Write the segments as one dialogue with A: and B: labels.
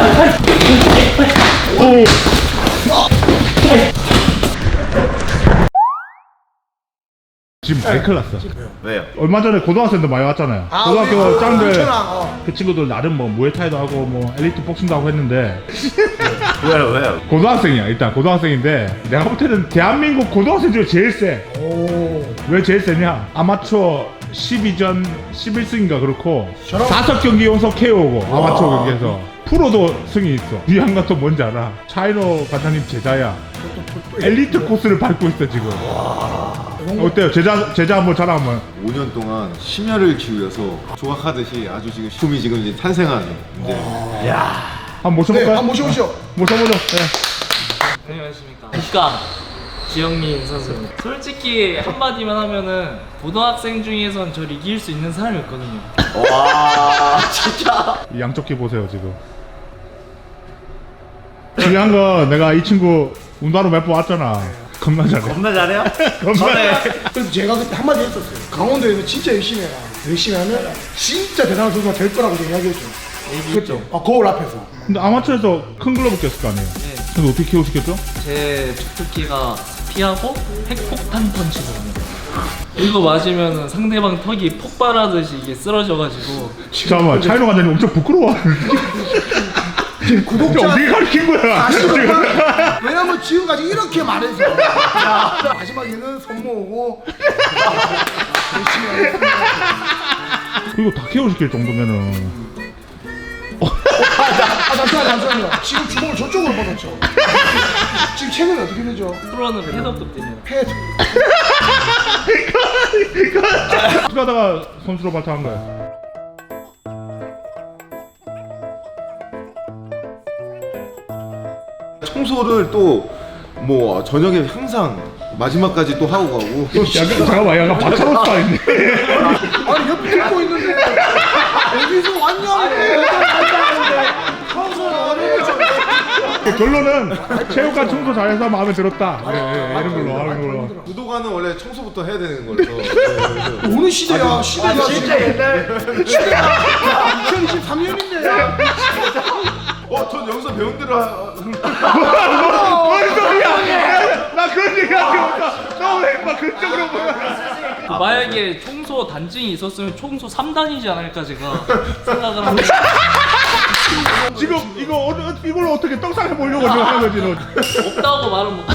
A: 지금 많이 큰일 났어.
B: 왜요?
A: 얼마 전에 고등학생들 많이 왔잖아요. 고등학교 짱들
C: 어.
A: 그 친구들 나름 뭐 무에타이도 하고 뭐 엘리트 복싱도 하고 했는데
B: 왜요?
A: 고등학생이야. 일단 고등학생인데 내가 볼 때는 대한민국 고등학생 중에 제일 세. 왜 제일 세냐? 아마추어 12전 11승인가 그렇고 5경기 연속 KO고 아마추어 경기에서 프로도 승이 있어. 위안 같은 뭔지 알아? 차이노 관장님 제자야. 엘리트 코스를 밟고 있어 지금. 어때요? 제자 한번 자랑 한번.
D: 5년 동안 심혈을 기울여서 조각하듯이 아주 지금 꿈이 지금 이제 탄생한 이제
A: 한번 모셔볼까요?
C: 네, 한번 모셔보시죠.
A: 모셔보죠. 네.
E: 안녕하십니까. 국감 지영민 선수. 솔직히 한마디만 하면은 고등학생 중에선 저를 이길 수 있는 사람이 없거든요.
B: 와 진짜.
A: 이 양쪽 귀 보세요 지금. 중요한 건 내가 이 친구 운동하러 몇 번 왔잖아. 겁나 잘해.
B: 겁나 잘해요?
A: 겁나.
C: 그래서 제가 그때 한마디 했었어요. 강원도에서 진짜 열심히 해라. 열심히 하면 진짜 대단한 선수가 될 거라고 제가 이야기했죠.
E: 얘기했죠.
C: 거울 앞에서.
A: 근데 아마추어에서 큰 글러브 꼈을 거 아니에요?
E: 네.
A: 근데 어떻게 키워시켰죠?
E: 제 주특기가 피하고 핵폭탄 펀치거든요. 이거 맞으면 상대방 턱이 폭발하듯이 이게 쓰러져가지고.
A: 잠깐만 차이노 관장님 엄청 부끄러워.
C: 구독자
A: 어떻게 가르친 거야?
C: 왜냐면 지금까지 이렇게 말해서 마지막에는 손 모으고 열심히 하겠습니다.
A: 이거 다 키워시킬 정도면은
C: 잠시만요. 지금 주먹을 저쪽으로 뻗었죠. 지금 체면이 어떻게 되죠?
E: 프로는 패더급 됩니다.
C: 패드.
A: 하다가 선수로 발탁한 거야.
D: 청소를 또 뭐 저녁에 항상 마지막까지 또 하고 가고
A: 약간 잠깐만 약간 박찬호 스타일인데.
C: 아니 옆에 듣고 있는데 어디서 왔냐고.
A: 결론은 체육관 청소 잘해서 마음에 들었다. 이런 걸로 하는 걸로.
D: 구도가는 원래 청소부터 해야 되는 거라서
C: 어느 시대야? 시대가
B: 진짜 옛날.
C: 2023년인데.
D: 전 여기서 배운 대로
A: 뭔 소리야? 나 그런 얘기 하지 못하. 너왜 막 그쪽으로 보면.
E: 만약에 청소 단증이 있었으면 청소 3단이지 않을까 제가 생각을 합니다.
A: 지금 이걸 어떻게 떡상해 보려고 지금 하는 거지 너.
E: 없다고 말은 못해.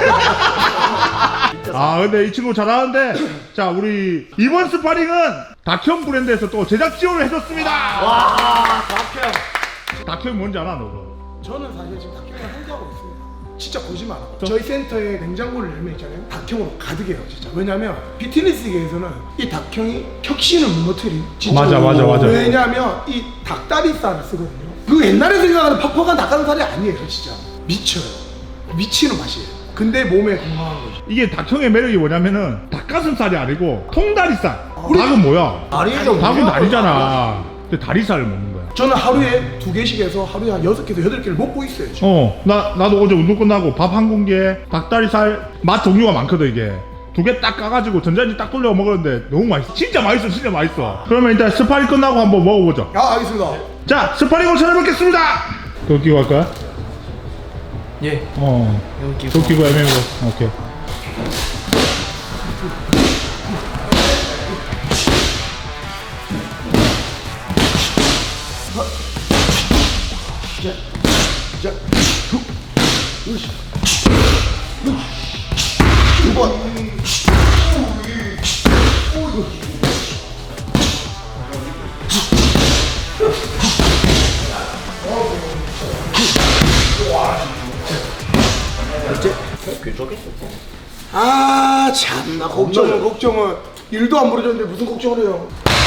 A: 아 근데 이 친구 잘하는데 자 우리 이번 스파링은 닥형 브랜드에서 또 제작 지원을 해줬습니다.
B: 와 박형.
A: 닥형 뭔지 알아 너도?
C: 저는 사실 지금 닭형을 홍보하고 있습니다. 진짜 거짓말 안 하고. 저희 센터에 냉장고를 열면 있잖아요. 닭형으로 가득해요, 진짜. 왜냐면 피트니스계에서는 이 닭형이 혁신을 무너뜨린. 진짜.
A: 맞아.
C: 왜냐면 이 닭다리살을 쓰거든요. 그 옛날에 생각하는 퍽퍽한 닭가슴살이 아니에요, 진짜. 미쳐요. 미치는 맛이에요. 근데 몸에 건강한 거죠.
A: 이게 닭형의 매력이 뭐냐면은 닭가슴살이 아니고 통다리살. 닭은 뭐야?
B: 다리죠.
A: 닭은 다리잖아. 근데 다리살을 먹는 거야.
C: 저는 하루에 2개씩 해서 하루에 한 6개에서 8개를 먹고 있어요, 지금.
A: 나도 어제 운동 끝나고 밥 한 공기에 닭다리살 맛 종류가 많거든 이게. 2개 딱 까가지고 전자레인지 딱 돌려 먹었는데 너무 맛있어. 진짜 맛있어. 그러면 일단 스파링 끝나고 한번 먹어보죠.
C: 알겠습니다.
A: 자, 스파링으로 찾아뵙겠습니다. 그거 끼고 할까요?
E: 예. 여기
A: 그거 끼고 애매고. 오케이.
C: 아 참나 걱정을 일도 안 벌어졌는데 무슨 걱정을 해요.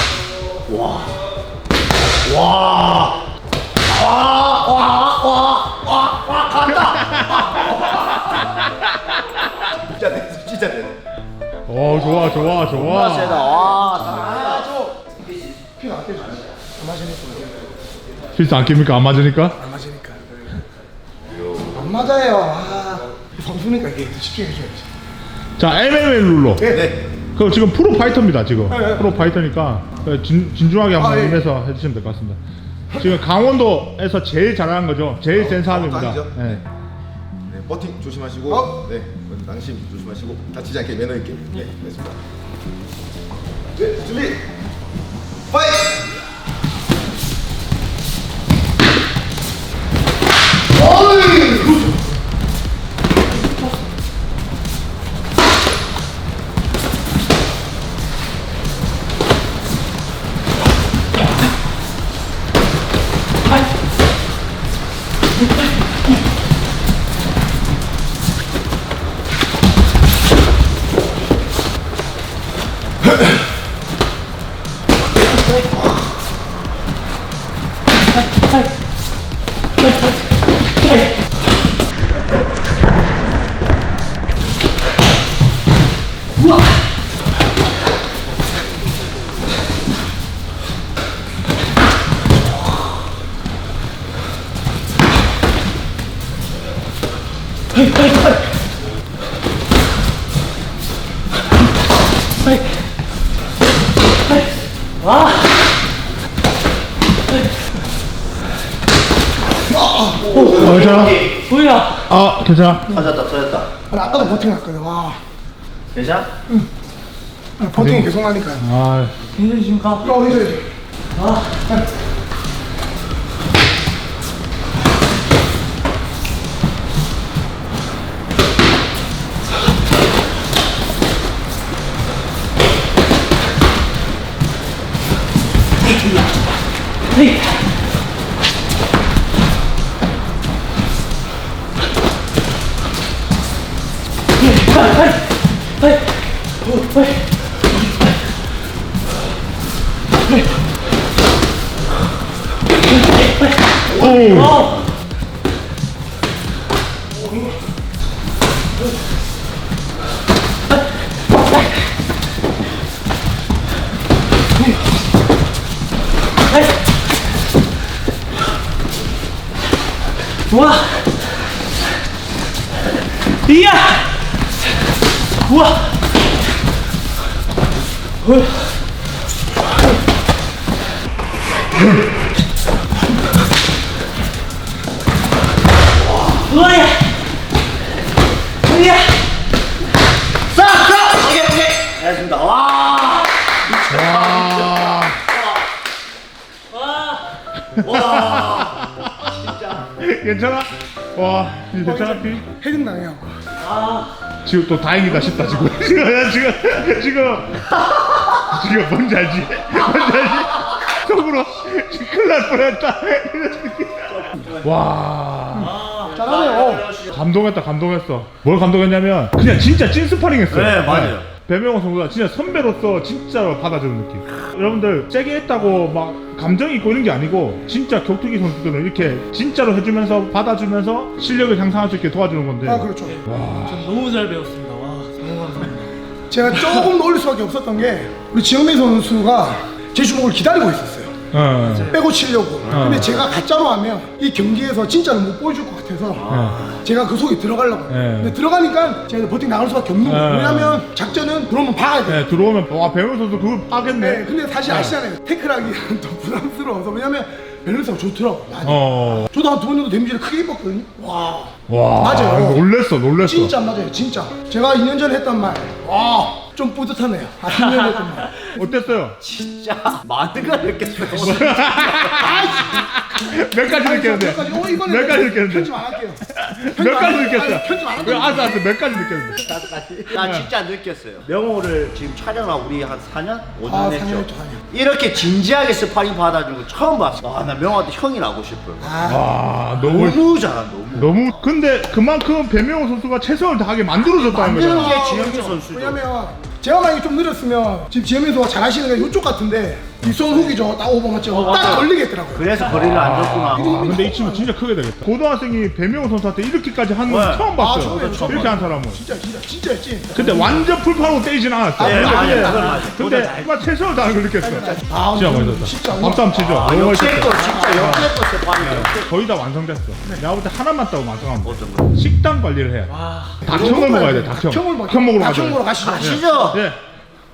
B: 진짜 되네.
A: 좋아.
B: 세다. 와.
C: 피가 안 깨져요. 안 맞으니까.
A: 필수 안 낍니까? 안 맞으니까?
C: 안 맞으니까. 안 맞아요. 방송이니까 이게 집중해줘야지.
A: 자, MMA 룰로.
C: 네.
A: 그거 지금 프로 파이터입니다, 지금.
C: 네.
A: 프로 파이터니까 진중하게 한번
C: 예.
A: 임해서 해주시면 될 것 같습니다. 지금 강원도에서 제일 잘하는 거죠. 제일 센 사람입니다.
D: 아니죠?
A: 네.
D: 네, 버팅 조심하시고, 네, 낭심 조심하시고, 다치지 않게 매너 있게. 네, 됐습니다. 네, 준비. 파이트!
A: 괜찮아?
E: 뭐야?
A: 아 괜찮아.
B: 터졌다.
C: 아니, 아까도 버팅 났거든. 와.
B: 괜찮아?
C: 아니, 버팅이 계속 나니까.
A: 아
E: 괜찮으십니까?
C: 이제.
A: 오.
E: 우와! 이야! 우와! 우와야! 이야!
B: 오케이. 알겠습니다. 와. 와. 진짜.
A: 괜찮아? 와 이거 괜찮아 피?
C: 헤딩 나네요.
A: 지금 또 다행이다 싶다 지금. 지금 뭔지 알지? 뭔지 알지? 속으로 지금 큰일 날 뻔했다. 이런 느낌. 와
C: 잘하네요.
A: 감동했어. 뭘 감동했냐면 그냥 진짜 찐 스파링 했어요.
B: 네, 맞아요.
A: 배명호 선수가 진짜 선배로서 진짜로 받아주는 느낌. 여러분들 세게 했다고 막 감정이 있고 이런 게 아니고 진짜 격투기 선수들은 이렇게 진짜로 해주면서 받아주면서 실력을 향상할 수 있게 도와주는 건데.
C: 아, 그렇죠.
E: 전 너무 잘 배웠습니다. 와, 너무 감사합니다.
C: 제가 조금 더 올릴 수밖에 없었던 게 우리 지영민 선수가 제 주먹을 기다리고 있었어요. 빼고 치려고. 근데 제가 가짜로 하면 이 경기에서 진짜는 못 보여줄 것 같아서 제가 그 속에 들어가려고. 근데 들어가니까 제가 버팅 나갈 수밖에 없는 거예요. 왜냐면 작전은 들어오면 박아야 돼요.
A: 네, 들어오면 와 배명호 선수 그걸 파겠네.
C: 네, 근데 사실 아시잖아요. 태클하기는 더 부담스러워서. 왜냐면 밸런스가 좋더라고. 저도 한 두 번 정도 데미지를 크게 입었거든요. 와. 맞아요.
A: 놀랬어.
C: 진짜 맞아요. 진짜. 제가 2년 전에 했던 말. 와. 좀 뿌듯하네요. 2년 전에 했던 말.
A: 어땠어요?
B: 진짜 많은 걸 느꼈어요.
A: 몇 가지 느꼈는데?
C: 몇 가지? 이거는
A: 몇 가지 느꼈는데?
C: 편집 안 할게요.
A: 몇 가지 느꼈어요?
C: 편집 안 할게요.
A: 알았어. 몇 가지 느꼈는데?
B: 나 진짜 느꼈어요. 명호를 지금 촬영하고 우리 한 4년? 5년
C: 아,
B: 했죠.
C: 4년 했죠, 4년.
B: 이렇게 진지하게 스파링 받아준 거 처음 봤어. 와, 나 명호한테 형이라고 싶어요.
A: 와 너무
B: 너무 잘한다, 너무.
A: 근데 그만큼 배명호 선수가 최선을 다하게 만들어줬다는
B: 만드는
A: 거잖아.
B: 게 지영민 선수죠.
C: 왜냐면 제가 만약에 좀 느렸으면 지금 지현민 선수가 잘하시는 게 이쪽 같은데 뒷손 훅이죠. 딱 오버 맞죠? 딱 걸리겠더라고요.
B: 그래서 거리를 안 줬구나.
A: 아, 근데 이 친구 진짜 크게 되겠다. 고등학생이 배명호 선수한테 이렇게까지 하는 건
B: 네.
A: 처음 봤어요.
C: 처음이에요, 처음
A: 이렇게 한 사람은.
C: 진짜 찐.
A: 근데 완전 풀파로 때리진 않았어.
B: 네,
C: 맞아요.
A: 근데 정말 최선을 다하는 걸 느꼈어.
C: 아,
A: 진짜 멋있었다.
C: 진짜.
A: 박수 한번 치죠. 너무
B: 역대급
A: 멋있었어.
B: 진짜 역대급 스파링.
A: 거의 다 완성됐어. 내가 볼 때 하나만 따고 완성하면 돼.
B: 어떤 거?
A: 식단 관리를 해야 돼. 닭형을 먹어야 돼. 닭형.
C: 닭형을 먹.
A: 닭형 먹으러
C: 닭형
A: 가자.
C: 먹으러 가시죠.
B: 아시죠?
A: 예.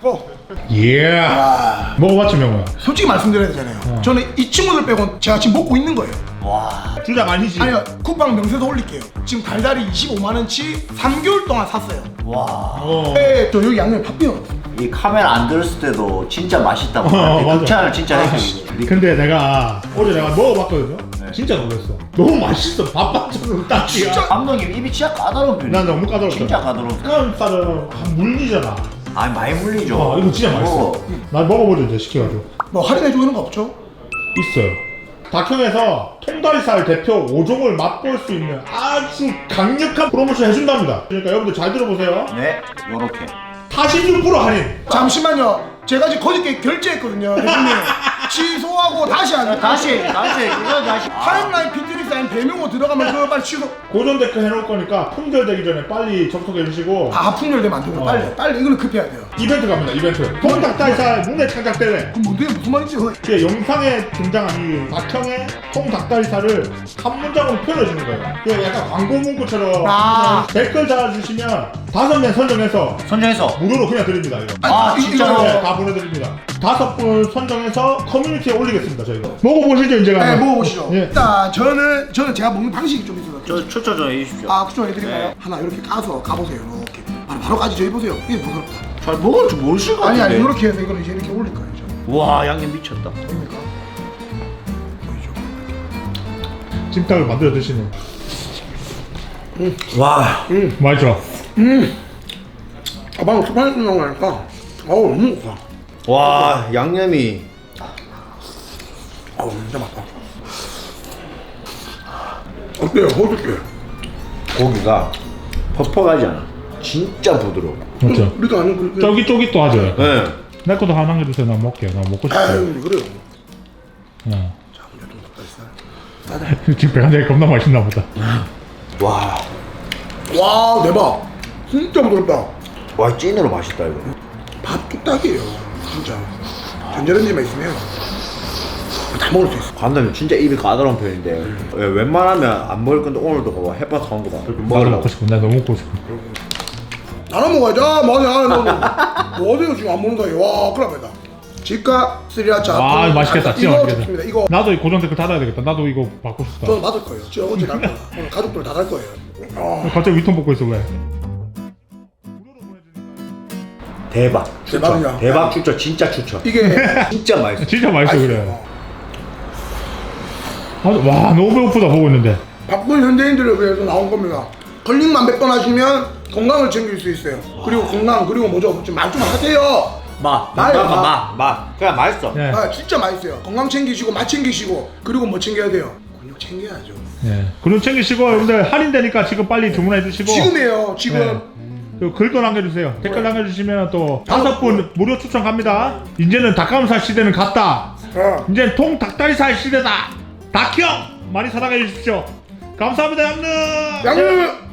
A: 예. 먹어봤지 명호야.
C: 솔직히 말씀드려야 되잖아요. 저는 이 친구들 빼고 제가 지금 먹고 있는 거예요.
B: 와.
A: 주작 아니지?
C: 아니요, 쿠팡 명세서 올릴게요. 지금 달달이 25만 원치 3개월 동안 샀어요.
B: 와.
A: 어.
C: 네, 저 여기 양념 팥빙어.
B: 이 카메라 안 들었을 때도 진짜 맛있다고
A: 맞아.
B: 극찬을 진짜 했어요.
A: 근데 내가 어제 내가 먹어봤거든요. 진짜 놀랐어. 너무 맛있어. 밥반찬으로 딱이야.
B: 감독님 입이 진짜 까다로운 편이에요.
A: 난 너무 까다롭다.
B: 진짜 까다로운.
A: 닭가슴살은 한 물리잖아.
B: 아 많이 물리죠.
A: 이거 진짜 맛있어. 난 먹어보자 이제 시켜가지고.
C: 뭐 할인해주는 거 없죠?
A: 있어요. 닭형에서 통다리살 대표 5종을 맛볼 수 있는 아주 강력한 프로모션 해준답니다. 그러니까 여러분들 잘 들어보세요.
B: 네, 요렇게.
A: 46% 할인.
C: 잠시만요. 제가 지금 거짓게 결제했거든요. 대표님. 취소하고 다시 하는
B: 다시 이거 다시.
C: 타임라인 피트리 사인 배명호 들어가면 그거 빨리 취소.
A: 고정 댓글 해놓을 거니까 품절되기 전에 빨리 접속해 주시고
C: 풍렬되면 안 되고 빨리 이거는 급해야 돼요.
A: 이벤트 갑니다. 이벤트. 통닭다리살 문내 창작 대회.
C: 그럼 뭔데 무슨 말인지
A: 그 영상에 등장한 이 닭형의 통닭다리살을 한 문장으로 표현해 주는 거예요. 그 약간 광고 문구처럼
C: 아.
A: 댓글 달아주시면 5명 선정해서
B: 선정해서.
A: 무료로 그냥 드립니다. 이거.
B: 아, 진짜로?
A: 네, 다 보내드립니다. 5분 선정해서 커뮤니티에 올리겠습니다. 저희가. 먹어보시죠 이제
C: 네,
A: 가면.
C: 먹어보시죠.
A: 예.
C: 일단 저는 제가 먹는 방식이 좀 있어요.
B: 저 추천 좀 해주십시오.
C: 그쪽 해드릴까요? 하나 이렇게 까서 가보세요. 이렇게 바로 까지 해보세요. 이게 부끄럽다.
B: 잘 먹을 줄 모르실 것 같은데.
C: 아니 이렇게 해서 이거를 이제 이렇게 올릴 거예요. 저.
B: 와 양념 미쳤다.
C: 됩니까? 보이죠?
A: 찜닭을 만들어 드시네.
B: 와.
A: 맛있죠?
C: 방금 스파이스 나오니까 너무 좋다.
B: 와 양념이.
C: 진짜 맛있다. 어때요? 어떻게?
B: 고기가 퍽퍽하지 않아. 진짜 부드러워.
A: 맞죠?
C: 우리도 아는 그.
A: 쫄깃쫄깃도 하죠.
B: 네.
A: 내 것도 하나 남겨주세요. 나 먹게요. 나 먹고 싶어요.
C: 아유 그래요.
A: 어.
C: 자, 우리 닭다리살.
A: 지금 배가 되게 겁나 맛있나 보다.
B: 와.
C: 와 대박. 진짜 부드럽다.
B: 와 찐으로 맛있다 이거.
C: 밥 뚝딱이에요. 진짜. 전자레인지만 있으면 다 먹을 수 있어.
B: 감독님 진짜 입이 까다로운 편인데 웬만하면 안 먹을 건데 오늘도 봐봐 햇반 사온 거봐.
A: 나도 먹고 싶어. 나 너무 먹고 싶어.
C: 나눠 먹어야죠. 뭐 어디요 지금 안 먹는 사이에. 와 큰일 납니다. 집값 스리라차.
A: 아 맛있겠다. 진짜
C: 이거
A: 맛있겠다.
C: 좋습니다. 이거
A: 나도 이 고정 댓글 달아야 되겠다. 나도 이거 받고 싶다.
C: 저는 받을 거예요. 저 어제 달 거야. 오늘 가족들 다 달 거예요.
A: 갑자기 위통 먹고 있어 왜?
B: 대박. 추천.
C: 대박이야.
B: 대박 추천. 진짜 추천.
C: 이게
B: 진짜 맛있어.
A: 진짜 맛있어 그래. 와 너무 배고프다 보고 있는데.
C: 바쁜 현대인들을 위해서 나온 겁니다. 걸링만 몇 번 하시면 건강을 챙길 수 있어요. 그리고 건강 그리고 뭐죠? 좀 말 좀 하세요.
B: 맛.
C: 맛이야,
B: 맛. 그냥 맛있어.
A: 예.
C: 진짜 맛있어요. 건강 챙기시고 맛 챙기시고 그리고 뭐 챙겨야 돼요? 근육 챙겨야죠.
A: 예. 그럼 챙기시고 여러분들 할인되니까 지금 빨리 주문해 주시고.
C: 지금이에요. 지금.
A: 네. 글도 남겨주세요. 댓글 남겨주시면 또 5분 무료 추천 갑니다. 이제는 닭가슴살 시대는 갔다. 이제는 통 닭다리살 시대다. 닭형 많이 사랑해 주십시오. 감사합니다 양릉.
C: 양념.